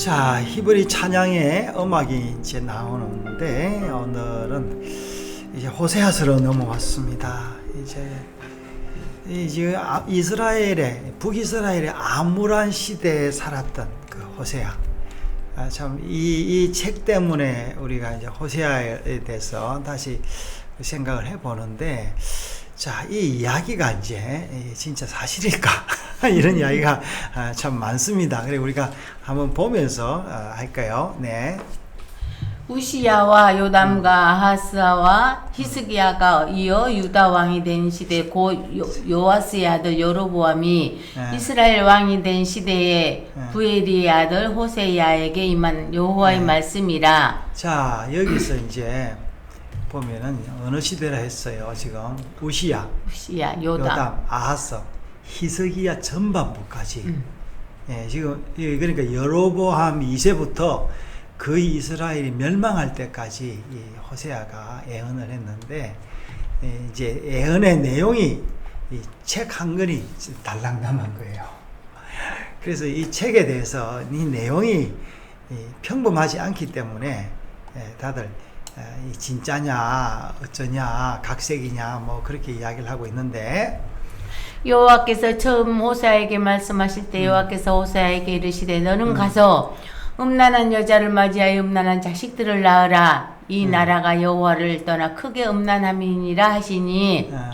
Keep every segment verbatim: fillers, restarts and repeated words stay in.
자, 히브리 찬양의 음악이 이제 나오는데 오늘은 이제 호세아서로 넘어왔습니다. 이제 이제 이스라엘의 북이스라엘의 암울한 시대에 살았던 그 호세아. 아, 참 이 이 책 때문에 우리가 이제 호세아에 대해서 다시 생각을 해보는데, 자, 이 이야기가 이제 진짜 사실일까? 이런 이야기가 참 많습니다. 그래 우리가 한번 보면서 할까요? 네. 우시야와 요담과 아하스와 히스기야가 이어 유다 왕이 된 시대 고 요아스의 아들 여로보암이 네. 이스라엘 왕이 된 시대에 네. 부에리의 아들 호세야에게 임한 여호와의 네. 말씀이라. 자, 여기서 이제 보면은 어느 시대라 했어요. 지금 우시야, 우시야, 요담, 요담, 아하스, 히스기야 전반부까지. 음. 예, 지금 그러니까 여로보암 이 세부터 거의 이스라엘이 멸망할 때까지 이 호세아가 예언을 했는데, 예, 이제 예언의 내용이 이 책 한 권이 달랑남한 거예요. 그래서 이 책에 대해서 이 내용이 이 평범하지 않기 때문에 예, 다들 이 진짜냐 어쩌냐 각색이냐 뭐 그렇게 이야기를 하고 있는데, 여호와께서 처음 호세아에게 말씀하실 때 여호와께서 호세아에게 이르시되 너는 가서 음란한 여자를 맞이하여 음란한 자식들을 낳으라. 이 음. 나라가 여호와를 떠나 크게 음란함이니라 하시니. 어.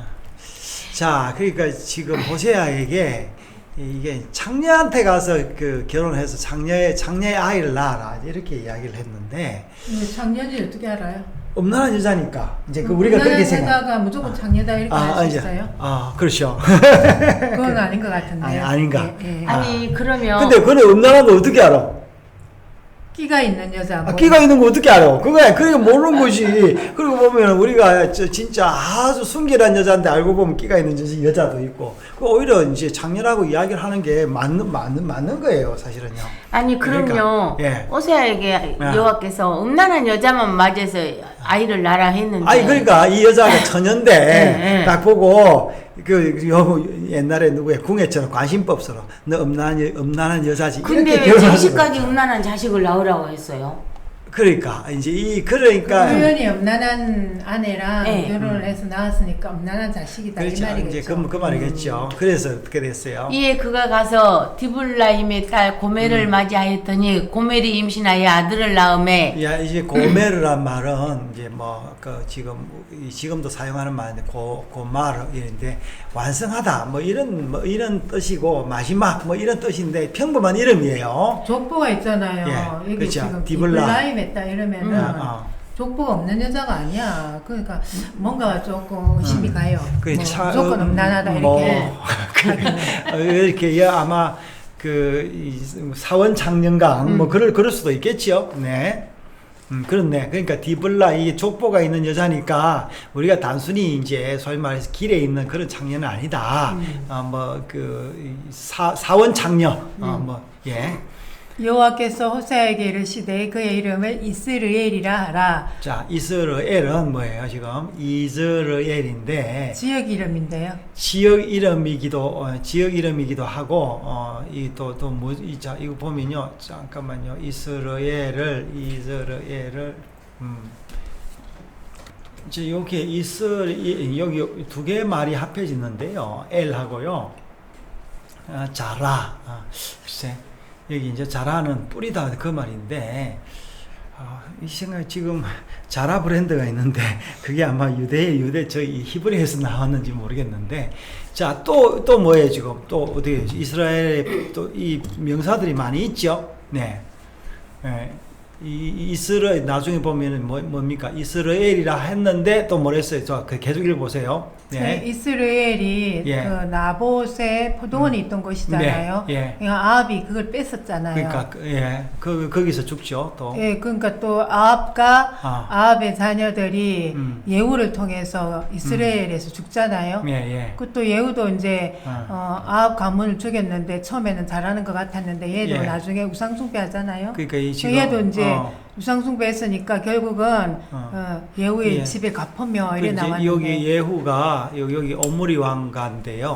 자, 그러니까 지금 호세아에게 이게 장녀한테 가서 그 결혼해서 장녀의 장녀의 아이를 낳아라 이렇게 이야기를 했는데, 장녀인지 어떻게 알아요? 음란한 여자니까 이제 그 우리가 그렇게 생각. 여자가 무조건 장녀다 이렇게 할 수 있어요? 아, 그렇죠. 그건 아닌 것 같은데. 아니, 아닌가? 예, 예. 아니 그러면 근데 그는 음란한 거 어떻게 알아? 끼가 있는 여자. 아, 끼가 있는 거 어떻게 알아? 그거야, 그게 모르는 거지. 그리고 보면 우리가 저 진짜 아주 순결한 여자인데 알고 보면 끼가 있는 여자도 있고, 그 오히려 이제 장녀라고 이야기를 하는 게 맞는 맞는 맞는 거예요, 사실은요. 아니 그럼요. 그러니까, 예. 호세아에게 예. 여호와께서 음란한 여자만 맞이해서 아이를 낳으라 했는데. 아니 그러니까 이 여자가 처녀인데 예, 예. 딱 보고 그 여, 옛날에 누구의 궁예처럼 관심법서로 너 음란한 여, 음란한 여자지. 근데 이렇게 왜 결혼하는 자식까지 거예요. 음란한 자식을 낳으라고 했어요? 그러니까 이제 이 그러니까 우연히 음란한 아내랑 네. 결혼을 해서 낳았으니까 음란한 자식이다 그렇죠. 이 말이겠죠. 이제 그, 그 말이겠죠. 그래서 어떻게 됐어요? 이에 그가 가서 디블라임의 딸 고멜을 음. 맞이하였더니 고멜이 임신하여 아들을 낳음에. 야, 이제 고메르란 말은 이제 뭐 그 지금 이 지금도 사용하는 말인데 고 고마르인데 완성하다 뭐 이런 뭐 이런 뜻이고 마지막 뭐 이런 뜻인데 평범한 이름이에요. 족보가 있잖아요. 예, 여기 그렇죠. 지금 디블라. 디블라임 했다 이러면은 음. 어. 족보가 없는 여자가 아니야. 그러니까 뭔가 조금 의심이 음. 가요. 그 뭐 차- 무조건 음, 음란하다 뭐, 이렇게. 하기는. 어, 이렇게 예, 아마 그 이 사원 창년강 음. 뭐 그럴 그럴 수도 있겠지요. 네. 음, 그렇네. 그러니까 디블라 이 족보가 있는 여자니까 우리가 단순히 이제 소위 말해서 길에 있는 그런 창녀는 아니다. 음. 어, 뭐그 사원 창녀. 어, 음. 뭐 예. 여호와께서 호세아에게 이르시되 그의 이름을 이스르엘이라 하라. 자, 이스라엘은 뭐예요? 지금 이스라엘인데 지역 이름인데요. 지역 이름이기도 어, 지역 이름이기도 하고 어, 이또또뭐이자 이거 보면요. 잠깐만요. 이스라엘을 이스라엘을 음. 이제 여기 이스라 여기 두 개의 말이 합해지는데요. 엘하고요. 아, 자라. 아, 글쎄. 여기 이제 자라는 뿌리다 그 말인데, 아, 이 생각 지금 자라 브랜드가 있는데 그게 아마 유대 유대 저희 히브리에서 나왔는지 모르겠는데, 자, 또 또 뭐예요 지금 또 어디 이스라엘에 또 이 명사들이 많이 있죠. 네, 네. 이 이스라엘 나중에 보면은 뭐 뭡니까 이스라엘이라 했는데 또 뭐랬어요? 저 그 계속 읽어보세요. 네. 네. 이스라엘이 예. 그 나봇의 포도원이 있던 곳이잖아요. 네, 예. 그러니까 아합이 그걸 뺐었잖아요. 그러니까 그, 예, 그 거기서 죽죠 또. 예, 그러니까 또 아합과 아. 아합의 자녀들이 음. 예후를 통해서 이스라엘에서 죽잖아요. 예, 예. 그또 예후도 이제 아. 어, 아합 가문을 죽였는데 처음에는 잘하는 것 같았는데 얘도 예. 나중에 우상숭배하잖아요. 그러니까 이 지금 얘도 이제 어, 우상숭배했으니까 결국은 어. 어, 예후의 예. 집에 갚으며 그 이래 이제 나왔는데 여기 예후가 여기, 여기 오므리 왕가인데요.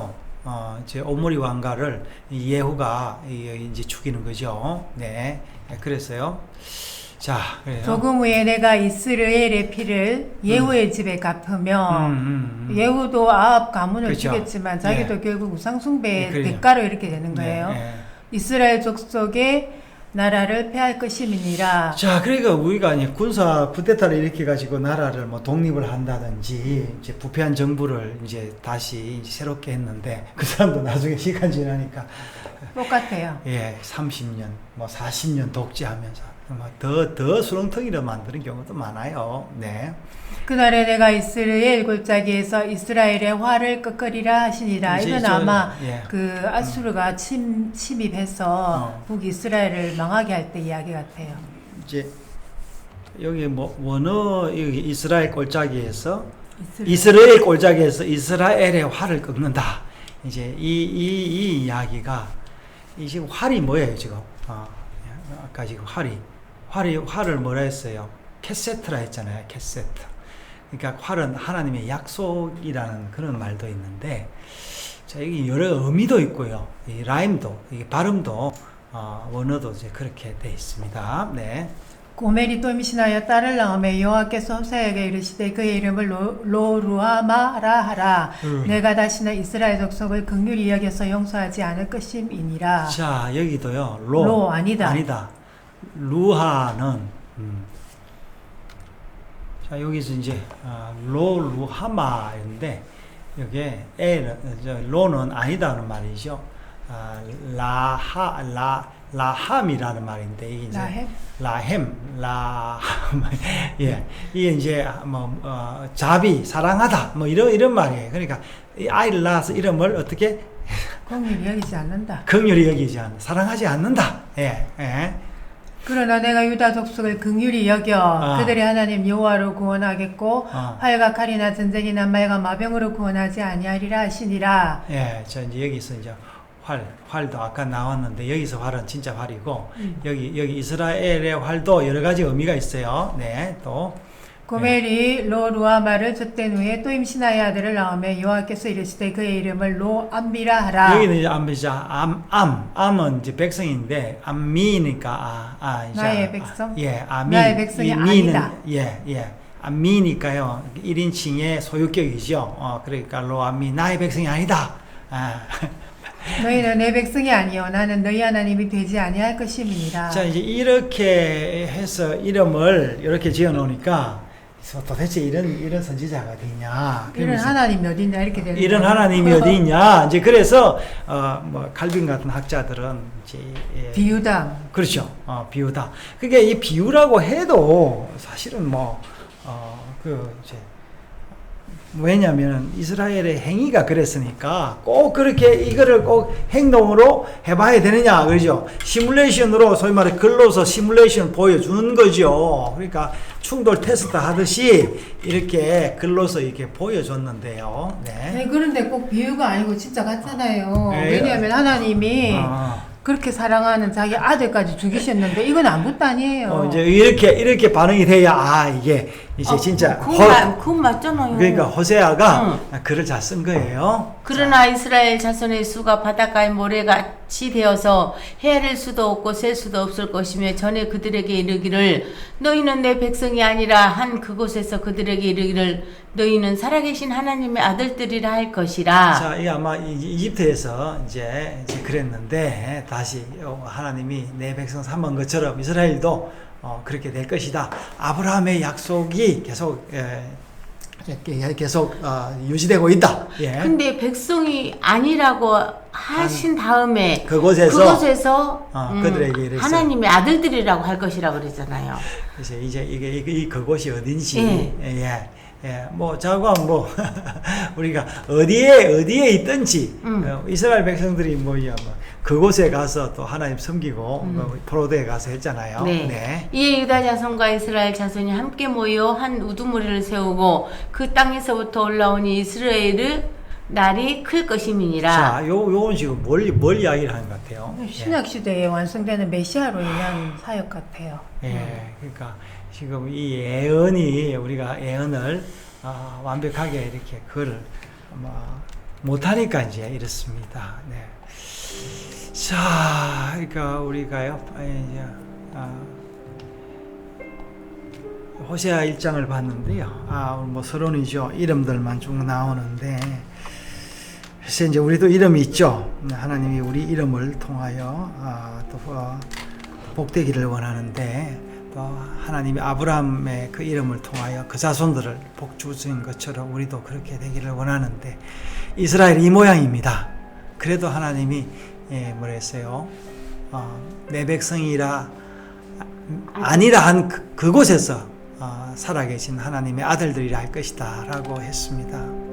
어, 제 오므리 왕가를 이 예후가 이- 이제 죽이는 거죠. 네, 네, 그랬어요. 자, 그래요. 조금 후에 내가 이스라엘의 피를 예후의 집에 갚으며 음, 음, 음. 예후도 아합 가문을 그렇죠. 죽였지만 자기도 예. 결국 우상숭배의 예, 그래요. 대가로 이렇게 되는 네, 거예요. 네. 이스라엘 족속의 나라를 폐할 것임이니라. 자, 그러니까 우리가 이제 군사 쿠데타를 일으켜 가지고 나라를 뭐 독립을 한다든지 이제 부패한 정부를 이제 다시 이제 새롭게 했는데 그 사람도 나중에 시간 지나니까 똑같아요. 예, 삼십 년, 뭐 사십 년 독재하면서 더 더 수렁텅이를 만드는 경우도 많아요. 네. 그날에 내가 이스라엘 골짜기에서 이스라엘의 활을 끄끄리라 하시니라. 이제 이건 저- 아마 예. 그 아수르가 침, 침입해서 어. 북이스라엘을 망하게 할 때 이야기 같아요. 이제 여기 뭐 원어 여기 이스라엘 골짜기에서 이스라엘. 이스라엘 골짜기에서 이스라엘의 활을 꺾는다. 이제 이 이 이 이야기가 이 지금 활이 뭐예요 지금? 어, 아까 지금 활이 활이 활을 뭐라 했어요? 캐세트라 했잖아요. 캐세트. 그러니까 활은 하나님의 약속이라는 그런 말도 있는데, 자 여기 여러 의미도 있고요. 이 라임도, 이 발음도 어, 원어도 이제 그렇게 돼 있습니다. 네. 고멜이 또 임신하여 딸을 낳으며 여호와께서 호세아에게 이르시되 그의 이름을 로, 로루아마라 하라. 음. 내가 다시는 이스라엘 족속을 긍휼히 여겨서 용서하지 않을 것임이니라. 자 여기도요. 로, 로, 아니다. 아니다. 루하는 음. 자 여기서 이제 아, 로 루하마인데 여기에 에 저 로는 아니다는 말이죠. 아, 라하 라 라함이라는 말인데 이게 이제 라햄? 라햄 라 예, 이게 이제 뭐 어, 자비 사랑하다 뭐 이런 이런 말이에요. 그러니까 이 아이를 낳아서 이름을 어떻게 긍휼히 여기지 않는다. 긍휼히 여기지 않 사랑하지 않는다. 예, 예. 그러나 내가 유다 족속을 긍휼히 여겨 아. 그들의 하나님 여호와로 구원하겠고 아. 활과 칼이나 전쟁이나 말과 마병으로 구원하지 아니하리라 하시니라. 예, 저 이제 여기서 이제 활, 활도 아까 나왔는데 여기서 활은 진짜 활이고 음. 여기 여기 이스라엘의 활도 여러 가지 의미가 있어요. 네, 또 고멜이 로루아마를 젖된 후에 또 임신하여 아들을 낳으며 여호와께서 이르시되 그의 이름을 로암비라 하라. 여기는 이제 암비자 암, 암, 암은 이제 백성인데 암미니까 아, 아 이제 나의 백성? 아, 예, 아미 나의 백성이 이 미는, 아니다. 예, 예. 암미니까요. 일 인칭의 소유격이죠. 어, 그러니까 로암미 나의 백성이 아니다. 아. 너희는 내 백성이 아니요 나는 너희 하나님이 되지 아니할 것임이니라. 자 이제 이렇게 해서 이름을 이렇게 지어 놓으니까 도대체 이런 이런 선지자가 어디냐? 이런 그러면서 하나님이 어딨냐 이렇게 되는 이런 거예요. 하나님이 어디 있냐? 이제 그래서 어뭐 칼빈 같은 학자들은 이제 예, 비유다. 그렇죠. 어, 비유다. 그게 이 비유라고 해도 사실은 뭐 어 그 이제 왜냐하면 이스라엘의 행위가 그랬으니까 꼭 그렇게 이거를 꼭 행동으로 해봐야 되느냐 그러죠. 시뮬레이션으로 소위 말해 글로서 시뮬레이션 보여주는 거죠. 그러니까 충돌 테스트 하듯이 이렇게 글로서 이렇게 보여줬는데요. 네. 네, 그런데 꼭 비유가 아니고 진짜 같잖아요. 네. 왜냐하면 하나님이 아. 그렇게 사랑하는 자기 아들까지 죽이셨는데 이건 아무것도 아니에요. 어, 이제 이렇게 이렇게 반응이 돼야 아 이게 이제 아, 진짜 그건, 허- 맞, 그건 맞잖아요. 그러니까 호세아가 글을 잘 쓴 거예요. 그러나 이스라엘 자손의 수가 바닷가의 모래같이 되어서 헤아릴 수도 없고 셀 수도 없을 것이며 전에 그들에게 이르기를 너희는 내 백성이 아니라 한 그곳에서 그들에게 이르기를 너희는 살아계신 하나님의 아들들이라 할 것이라. 자, 이게 아마 이- 이집트에서 이제, 이제 그랬는데 다시 하나님이 내 백성 삼은 것처럼 이스라엘도 어, 그렇게 될 것이다. 아브라함의 약속이 계속 에, 이렇게 계속 어, 유지되고 있다. 예. 근데 백성이 아니라고 하신 다음에 그곳에서 그곳에서 어, 음, 그들에게 이랬어요. 하나님의 아들들이라고 할 것이라 그랬잖아요. 이제 이제 이게 이게 이 그곳이 어딘지 예. 예. 예, 뭐 자관 뭐 우리가 어디에 어디에 있든지 음. 어, 이스라엘 백성들이 뭐야 뭐 그곳에 가서 또 하나님 섬기고 음. 뭐 포로대에 가서 했잖아요. 네. 이에 유다 자손과 이스라엘 자손이 함께 모여 한 우두머리를 세우고 그 땅에서부터 올라오니 이스라엘의 날이 클 것임이니라. 자, 요 요건 지금 뭘, 뭘 이야기를 하는 것 같아요. 신약 시대에 완성되는 메시아로 인한 사역 같아요. 예, 예, 그러니까 지금 이 예언이 우리가 예언을 어, 완벽하게 이렇게 글을 뭐 못하니까 이제 이렇습니다. 네. 자, 그러니까 우리가요, 이제 아, 호세아 일 장을 봤는데요. 아, 뭐 서론이죠. 이름들만 쭉 나오는데, 그래서 이제 우리도 이름이 있죠. 하나님이 우리 이름을 통하여 아, 또 어, 복되기를 원하는데, 또 하나님이 아브라함의 그 이름을 통하여 그 자손들을 복 주신 것처럼 우리도 그렇게 되기를 원하는데, 이스라엘 이 모양입니다. 그래도 하나님이 예, 뭐랬어요? 어, 내 백성이라 아니라 한 그, 그곳에서 어, 살아계신 하나님의 아들들이라 할 것이다 라고 했습니다.